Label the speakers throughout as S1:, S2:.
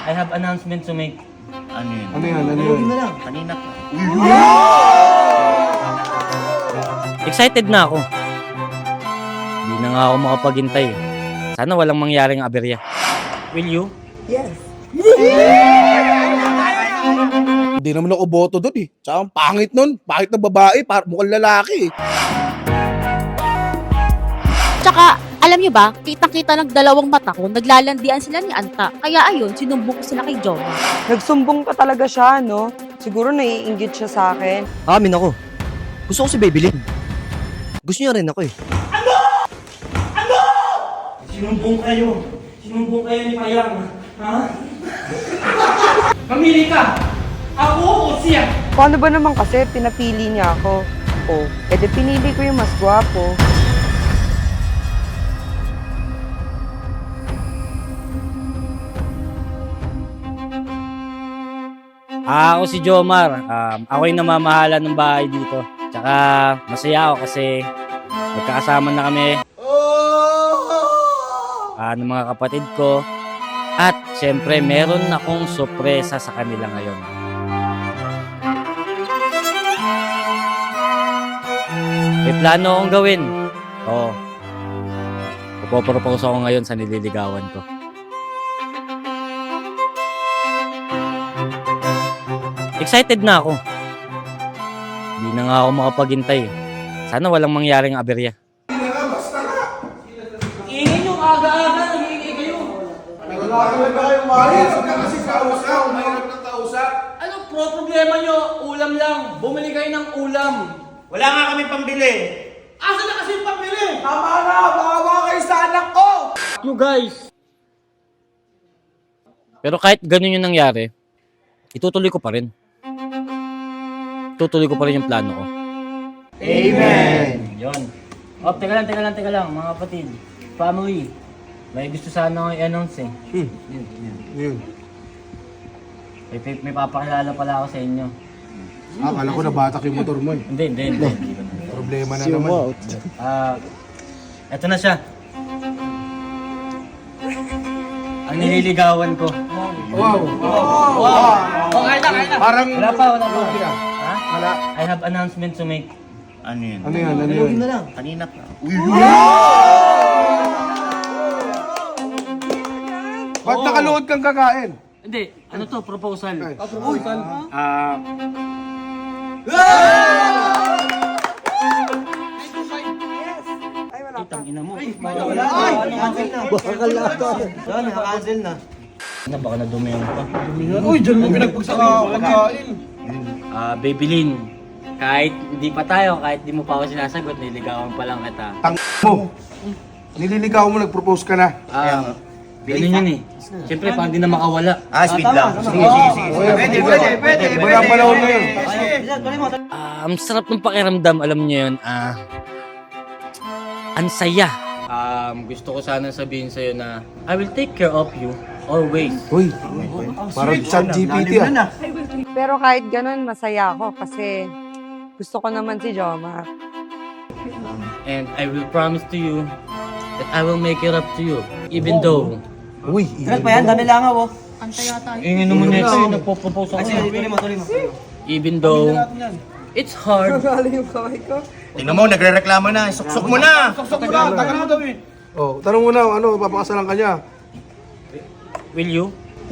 S1: I have announcement to make.
S2: Ano yun?
S3: Ano yan? Ano yun?
S2: Kanina pa.
S1: Excited na ako. Hindi na nga ako makapaghintay. Sana walang mangyaring aberya. Will you?
S3: Hindi naman ako boto doon eh. Tsaka ang pangit nun. Pangit na babae, mukhang lalaki eh.
S4: Tsaka, alam nyo ba, kitang-kita ng dalawang mata ko, naglalandian sila ni Anta. Kaya ayun, sinumbong ko sila kay Joma.
S5: Nagsumbong pa talaga siya, no? Siguro naiinggit siya sa akin.
S6: Amin ako. Gusto ko si Babylin. Gusto niya rin ako eh.
S1: Sinumbong kayo. Sinumbong kayo ni Payang. Ha? Mamili ka! Ako o siya?
S5: Paano ba naman kasi pinapili niya ako? O, edi pinili ko yung mas gwapo.
S1: Ako si Jomar. Ako yung namamahala ng bahay dito. Tsaka masaya ako kasi magkakasama na kami ng mga kapatid ko. At syempre meron akong sorpresa sa kanila ngayon. May plano akong gawin. Oo. Pupropose ako ngayon sa nililigawan ko. Excited na ako. Hindi na nga ako makapaghintay. Sana walang mangyaring aberya. Ingin yung aga-aga, nangingay kayo. Anong problema nyo? Ulam lang. Bumili kayo ng ulam.
S2: Wala nga kami pambili.
S1: Asa na kasi yung pambili?
S3: Tama na! Bawa kayo sa anak ko!
S1: You guys. Pero kahit ganun yung nangyari, itutuloy ko pa rin. Tutuloy ko pa rin yung plano ko.
S2: Amen!
S1: Yun. Oh, teka lang, mga kapatid. Family. May gusto sana akong i-announce eh.
S3: Yun.
S1: May papakilala pala ako sa inyo.
S3: Akala ko nabatak yung motor mo eh.
S1: Hindi.
S3: Problema na naman.
S1: Eto na siya. Ang nililigawan ko.
S3: Wow!
S1: Oh, kaya na.
S3: Parang...
S1: Wala pa. Ha?
S3: Wala.
S1: I have announcement to make.
S2: Ano yun?
S3: Ano yan? Ano yun?
S2: Kanina pa.
S3: Ba't nakaluhod kang kakain?
S1: Hindi, ano to? Proposal.
S3: Proposal?
S1: Itang ina mo.
S6: Naka-cancel na.
S1: Baka nadumi yung pa.
S3: Uy, dyan mo pinagpagsaka kakain.
S1: Babylin. Kahit hindi pa tayo, kahit di mo pa ako sinasagot, niligawan pa lang kita.
S3: Tang mo. Nililigaw mo, nag-propose ka na.
S1: Ganun yun eh. Siyempre, parang di na makawala.
S2: Speed lang. Sige. Pwede.
S3: Wala panahon ngayon.
S1: Ang sarap ng pakiramdam, alam niyo yun. Ang saya. Gusto ko sana sabihin sa'yo na I will take care of you always.
S3: Uy, parang chat GPT ah.
S5: Pero kahit ganun, masaya ako kasi gusto ko naman si Joma.
S1: And I will promise to you that I will make it up to you. Even though...
S3: Uy,
S1: Ingin naman nito yung nagpo-propose ako. Even though it's hard.
S2: Tingnan mo, nagre-reklamo na. Suksok mo na!
S3: tagal mo daw eh. Oh, tanong mo na, ano, papakasalan ka niya.
S1: Will you?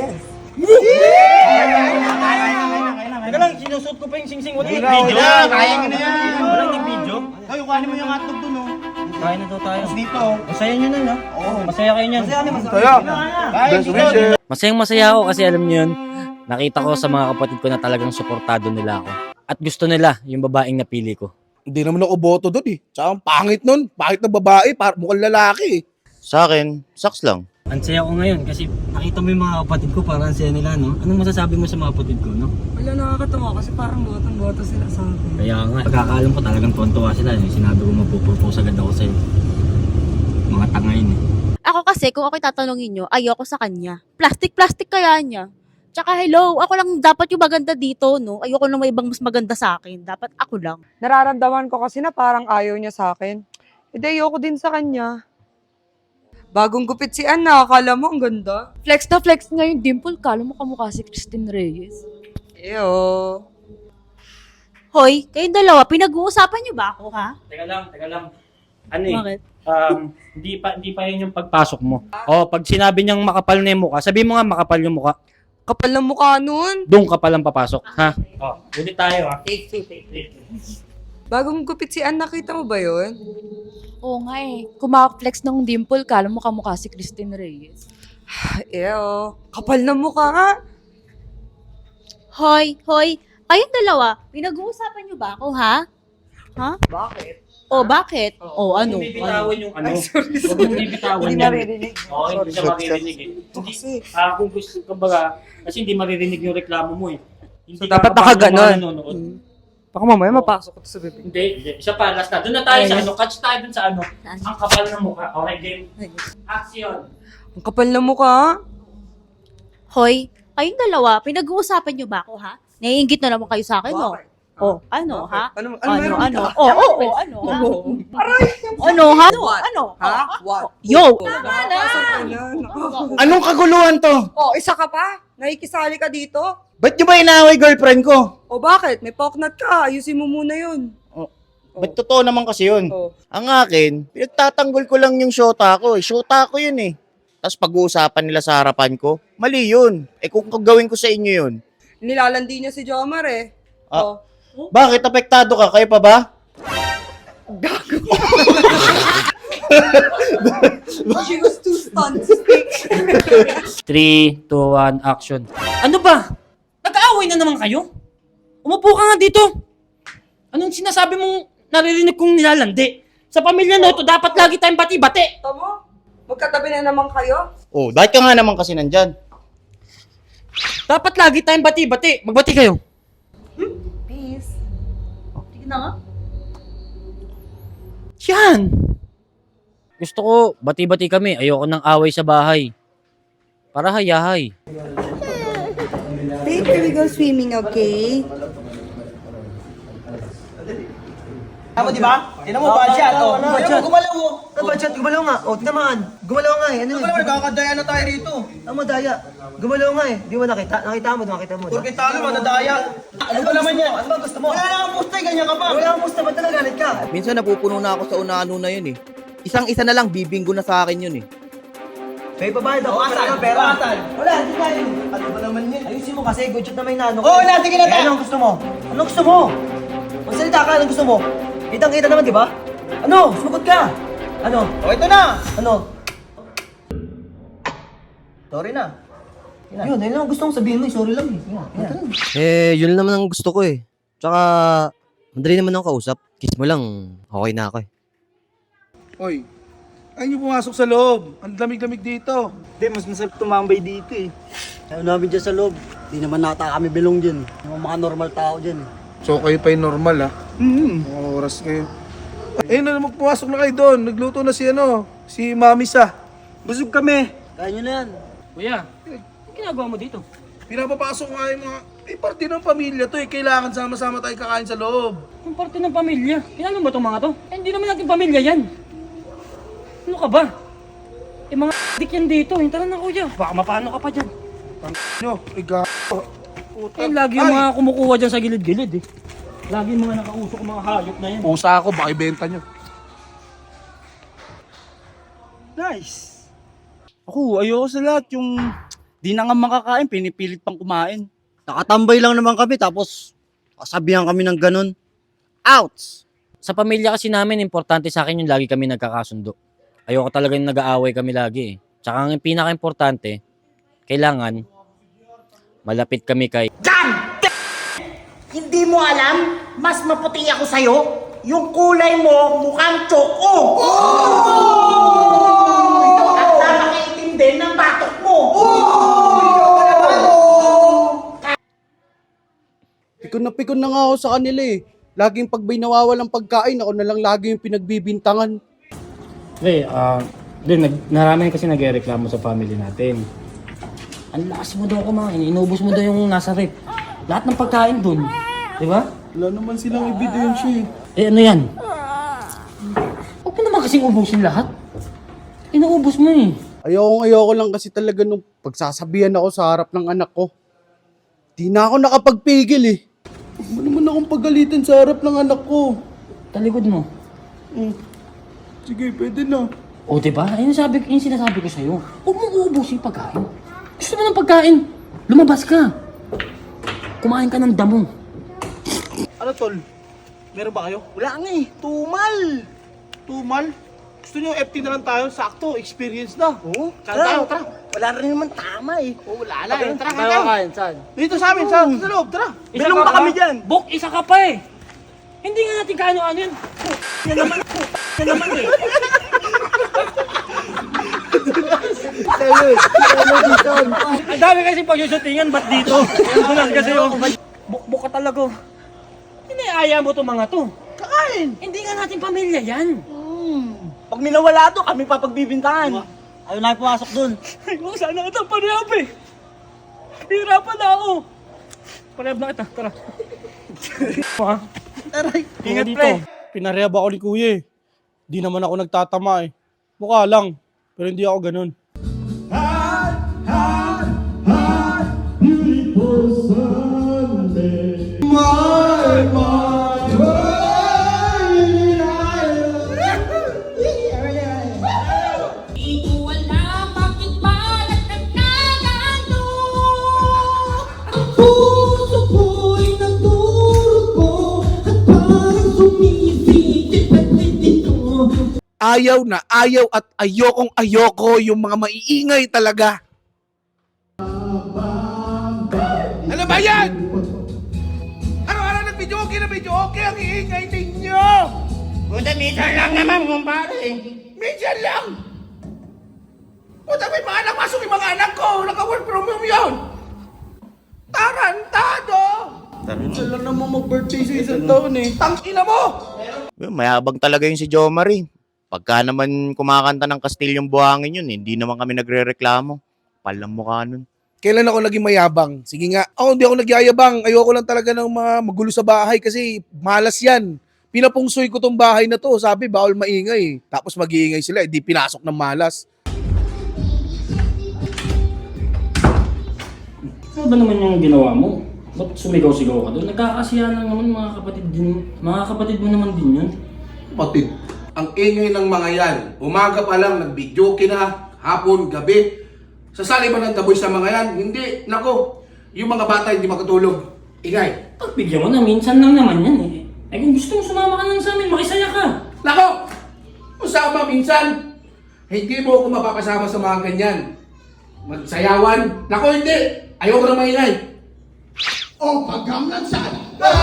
S6: Teka lang, sinusot ko pa yung sing-sing. Wala yung
S2: Video na! Kaya mo na yan!
S1: Walang nag-video?
S2: Hoy, kuhanin mo yung hotdog dun, oh.
S1: Kain na daw tayo.
S2: Dito.
S1: Masaya nyo na, no? Masaya kayo niyan.
S3: Kaya, best wishes.
S1: Masayang-masaya ako kasi alam niyo yun, nakita ko sa mga kapatid ko na talagang suportado nila ako. At gusto nila yung babaeng napili ko.
S3: Hindi naman ako boto doon eh. Tsaka ang pangit nun. Pangit na babae, mukhang lalaki eh.
S2: Sa akin, saks lang.
S1: Ang saya ko ngayon kasi nakita mo yung mga kapatid ko, parang saya nila, no? Anong masasabi mo sa mga kapatid ko, no?
S5: Wala, nakakatawa kasi parang botong-boto sila sa akin.
S1: Kaya nga, pagkakaalam ko talagang tuwan-tuwa sila. Sinabi ko magpo-propose agad ako sa'yo. Mga tangayin eh.
S4: Ako kasi, kung ako'y tatanungin nyo, ayoko sa kanya. Plastic kaya niya. Tsaka hello, ako lang dapat yung maganda dito, no? Ayoko lang may ibang mas maganda sa akin. Dapat ako lang.
S5: Nararamdaman ko kasi na parang ayaw niya sa akin. Hindi, ayoko din sa kanya. Bagong gupit si Anna, akala mo ang ganda.
S7: Flex na flex nga yung dimple. Kala mo kamukha si Christine Reyes.
S5: Eyo.
S4: Hoy, kayong dalawa, pinag-uusapan niyo ba ako, ha?
S1: Teka lang. Ano eh?
S4: Bakit?
S1: Hindi pa yun yung pagpasok mo. Pag sinabi niyang makapal na yung mukha, sabi mo nga makapal yung mukha.
S5: Kapal ng mukha nun.
S1: Doon ka palang papasok, ha? Ulit tayo, ha?
S5: Take two. Bagong gupit si Anna, nakita mo ba yun?
S7: Oo nga eh. Kumakaflex ng dimple. Kala mo kamukha si Christine Reyes.
S5: Eyo. Kapal ng mukha nga.
S4: Hoy, kayong dalawa, pinag-uusapan niyo ba ako, ha? Ha?
S5: Bakit?
S4: Bakit? Ano?
S1: Huwag mong bibitawan yung ano.
S5: sorry.
S1: Huwag mong bibitawan
S5: Hindi
S1: yan.
S5: naririnig.
S1: Oo, hindi siya maririnig eh. Kung gusto ka ba, kasi hindi maririnig yung reklamo mo eh. Hindi
S5: So, dapat
S1: ka
S5: nakaganon.
S1: nanonood.
S5: Baka mamaya mapasok ko to sa bibig.
S1: Hindi. Isa pa, last na. Doon na tayo sa ano. Catch tayo doon sa ano.
S4: Saan?
S1: Ang kapal ng mukha. Okay, game. Action.
S5: Ang kapal ng mukha.
S4: Hoy, kayong dalawa, pinag-uusapan niyo ba ako, ha? Naiingit na naman kayo sa akin, no? Ano, ha?
S5: Ano
S4: Ano?
S5: meron?
S4: Ano, ha? Ano, ha? Ano?
S5: Ha? What?
S4: Yo!
S2: Anong kaguluhan to?
S5: Oh, isa ka pa? Nakikisali ka dito?
S2: Ba't nyo ba inaaway girlfriend ko?
S5: O bakit? May poknat ka. Ayusin mo muna yun.
S2: Ba't totoo naman kasi yun?
S5: Oh.
S2: Ang akin, pinagtatanggol ko lang yung shota ko eh. Shota ko yun eh. Tapos pag-uusapan nila sa harapan ko, mali yun. Kung gagawin ko sa inyo yun.
S5: Nilalandi niya si Jomar eh.
S2: Ah. Bakit? Apektado ka? Kayo pa ba?
S5: She was too stunned to speak.
S1: 3, 2, 1, action. Ano ba? Nag-aaway na naman kayo? Umupo ka nga dito. Anong sinasabi mong naririnig kong nilalandi? Sa pamilya na ito, dapat lagi tayong bati-bati.
S5: Tama? Magkatabi na naman kayo?
S2: Oh, bakit ka nga naman kasi nandyan?
S1: Dapat lagi tayong bati-bati. Magbati kayo.
S5: Peace.
S4: Sige na nga.
S1: Yan. Gusto ko, bati-bati kami. Ayoko ng away sa bahay. Para hayahay.
S5: Babe, can we go swimming, okay?
S8: Tama, di ba? Tignan mo, budget. Tignan mo, gumalaw mo. Budget, gumalaw nga. O, tinamaan. Gumalaw nga eh. Ano eh?
S2: Nagkakadaya na tayo rito.
S8: Tama, daya. Gumalaw nga eh. Di mo nakita? Nakita mo.
S2: Porque talo, madadaya. Ano ba naman yan?
S8: Ano ba gusto mo?
S2: Wala na kang pusta, ganyan ka pa.
S8: Wala kang musta, ba't nagagalit ka?
S9: Minsan napupuno na ako sa una-ano na yun eh. Isang-isa na lang, bibinggo na sa akin yun eh.
S8: May babayad ako. Pera. Wala, hindi tayo.
S2: Ano ba naman yan?
S8: Ayusin mo kasi, good shot na may nano.
S2: Oo, wala, sige na tayo.
S8: Anong gusto mo? Anong gusto mo? Magsalita ka, anong gusto mo? Kitang-kita naman, di ba? Ano? Sumagot ka. Ano?
S2: O, ito na.
S8: Ano? Sorry na. Yun, ayun lang ang gusto kong sabihin mo. Sorry lang eh. Yan.
S6: Yun naman ang gusto ko eh. Tsaka, madali naman ako kausap. Kiss mo lang, okay na ako eh.
S3: Oy, ayaw nyo pumasok sa loob. Ang lamig-lamig dito.
S10: Hindi, mas masarap tumambay dito eh. Ayaw namin dyan sa loob. Di naman nata kami belong dyan. Yung mga normal tao dyan eh.
S3: So kayo pa yung normal ha? Mga oras kayo. Ayun na naman, pumasok na kayo doon. Nagluto na si Mami Sa.
S10: Busog kami. Kaya nyo na yan.
S1: Kuya, ano ginagawa mo dito?
S3: Pinapapasok nga yung mga... parte ng pamilya to eh. Kailangan sama-sama tayo kakain sa loob.
S1: Yung parte ng pamilya. Kilala mo ba itong mga to? Hindi naman natin pamilya yan. Ano ka ba? Mga dik yan dito. Tara na kuya. Baka mapano ka pa dyan.
S3: Nyo, iga...
S1: Lagi yung mga kumukuha dyan sa gilid-gilid eh. Lagi yung mga nakausok mga hayop na yan.
S3: Pusa ako, baka ibenta nyo.
S10: Nice.
S9: Ako, ayoko sa lahat. Yung di na nga makakain, pinipilit pang kumain.
S6: Nakatambay lang naman kami, tapos kasabihan kami ng ganun. Outs!
S1: Sa pamilya kasi namin, importante sa akin yung lagi kami nagkakasundo. Ayoko talaga yung nag-aaway kami lagi eh. Tsaka ang pinaka-importante, kailangan malapit kami kay...
S8: Hindi mo alam? Mas maputi ako sa'yo? Yung kulay mo, mukhang tsoko! At napakaitim din ng batok mo!
S3: Pikon na nga ako sa kanila eh. Laging pag may nawawalang pagkain, ako na lang lagi yung pinagbibintangan.
S1: Narami kasi nagreklamo sa family natin. Ang lakas mo daw kumain, inubos mo daw yung nasa rep. Lahat ng pagkain dun. Di ba?
S3: Wala naman silang ebidensya eh.
S1: Ano yan? Huwag mo naman kasing ubusin lahat. Inuubos mo eh.
S9: Ayoko lang kasi talaga nung pagsasabihan ako sa harap ng anak ko. Di na ako nakapagpigil eh. Huwag mo naman akong pagalitan sa harap ng anak ko.
S1: Talikod mo.
S9: Sige, pwede na.
S1: O diba? Ayun sinasabi ko sa'yo. Huwag mong uubusin yung pagkain. Gusto mo ng pagkain? Lumabas ka. Kumain ka ng damo.
S8: Ano tol? Meron ba kayo? Wala nga eh. Tumal! Tumal? Gusto niyo FT na lang tayo? Sakto, experience na. Oo. Tara, tara. Wala rin naman tama eh. Oo, wala lang. Tara, tayo.
S1: Saan?
S8: Dito sa amin, sa loob, tara. Bilong pa kami dyan.
S1: Bok, isa ka pa eh. Hindi nga natin kaano-ano yun. Yan naman eh. Ang dami kasi pag-shootingan, ba't dito? Ang dulas kasi yung bok ka talaga. Iniaya mo to mga to.
S8: Kakain.
S1: Hindi nga natin pamilya yan.
S8: Pag minawala to, kami papagbibintangan. Ayaw na pumasok dun.
S1: Ay, mo, sana kita parehab eh. Hirapan na ako. Parehab na kita, tara. Ha?
S8: Aray.
S1: Ingat pre.
S9: Pinarehab ako ni kuya eh. Di naman ako nagtatama eh. Mukha lang. Pero hindi ako ganun.
S3: Ayaw na ayaw at ayokong-ayoko yung mga maiingay talaga. Ano ba yan? Araw-araw nag-video okay na video okay ang iingay ninyo. Puta, minsan lang naman, kumpare. Minsan lang. Puta, may mga anak, pasok yung mga anak ko. Naka-work from home yun. Tarantado.
S9: Minsan lang naman mag-birthday sa isang taon eh.
S3: Tangina mo.
S2: Mayabang talaga yung si Jomar eh. Pagka naman kumakanta ng Kastilyong Buhangin yun, hindi naman kami nagre-reklamo. Palang mukha nun.
S3: Kailan ako naging mayabang? Sige nga. Ako hindi ako nagyayabang. Ayoko lang talaga ng mga magulo sa bahay kasi malas yan. Pinapungsoy ko tong bahay na to. Sabi, bawal maingay. Tapos mag-iingay sila. Hindi pinasok ng malas.
S1: Ano ba naman yung ginawa mo? Ba't sumigaw-sigaw ka doon? Nagkakasiya lang naman mga kapatid mo naman din yun.
S3: Kapatid, ang ingay ng mga yan. Umaga pa lang, nag-video na, hapon, gabi. Sasali ba ng taboy sa mga yan? Hindi. Nako, yung mga bata hindi makatulog. Ingay.
S1: Pagbigyan mo na, minsan lang naman yan eh. Ay kung gusto mo sumama ka lang sa amin, makisaya ka.
S3: Nako, usama minsan. Hindi mo ako mapapasama sa mga ganyan. Magsayawan. Nako, hindi. Ayoko na maingay. Oh, pagkamlan saan?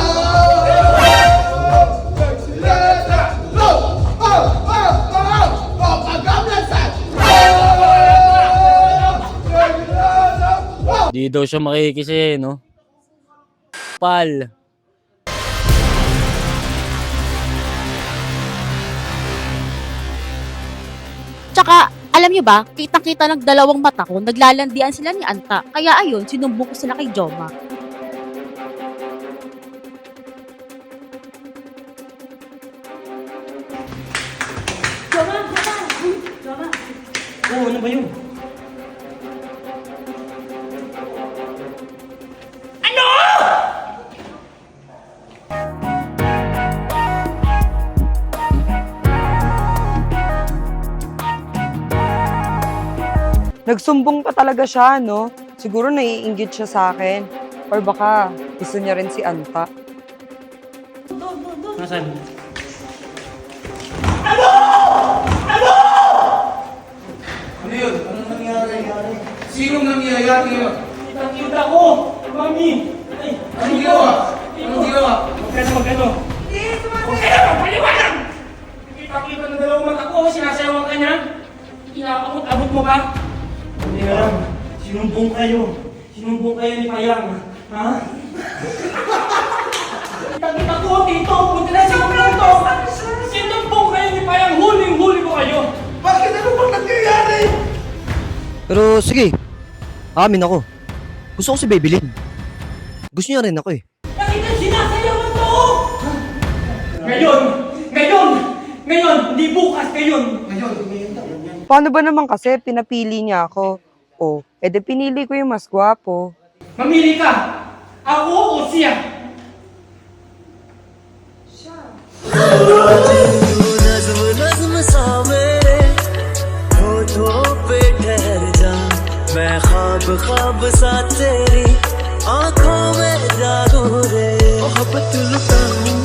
S1: Di daw siya makikisi, no? Pal.
S4: Tsaka, alam nyo ba, kitang-kita ng dalawang mata ko, naglalandian sila ni Anta. Kaya ayun, sinumbong ko sila kay Joma.
S1: Oo, ano ba yun?
S5: Nagsumbong pa talaga siya, no? Siguro naiinggit siya sa akin. Or baka gusto niya rin si Anta.
S1: Nasaan?
S3: Ano yun? Anong nangyari? Sinong nangyayari yun?
S1: Kita ko! Mami! Ay,
S3: Anong ginawa? Anong ginawa?
S1: magkano? Huwag kayo! Paliwanag! Kita-kita ng dalawang mata ko, sinasayawan ka niya? Inaabot-abot mo ba? Hindi alam. Sinumbong kayo. Sinumbong kayo ni Payang. Ha? Kita-kita ko, tito! Punta na sinumbong to! Sinumbong kayo ni Payang! Huling-huli ko kayo!
S3: Bakit ano bang nangyayari?
S6: Pero sige, amin ako. Gusto ko si Babylin. Gusto niya rin ako eh.
S1: Nakita sinasayawan to! Ngayon! Hindi bukas! Ngayon!
S3: Ngayon daw.
S5: Paano ba naman kasi pinapili niya ako? O, edi pinili ko yung mas gwapo.
S1: Mamili ka! Ako o siya?
S11: आंखों में जादू रे मोहब्बत लुटाऊं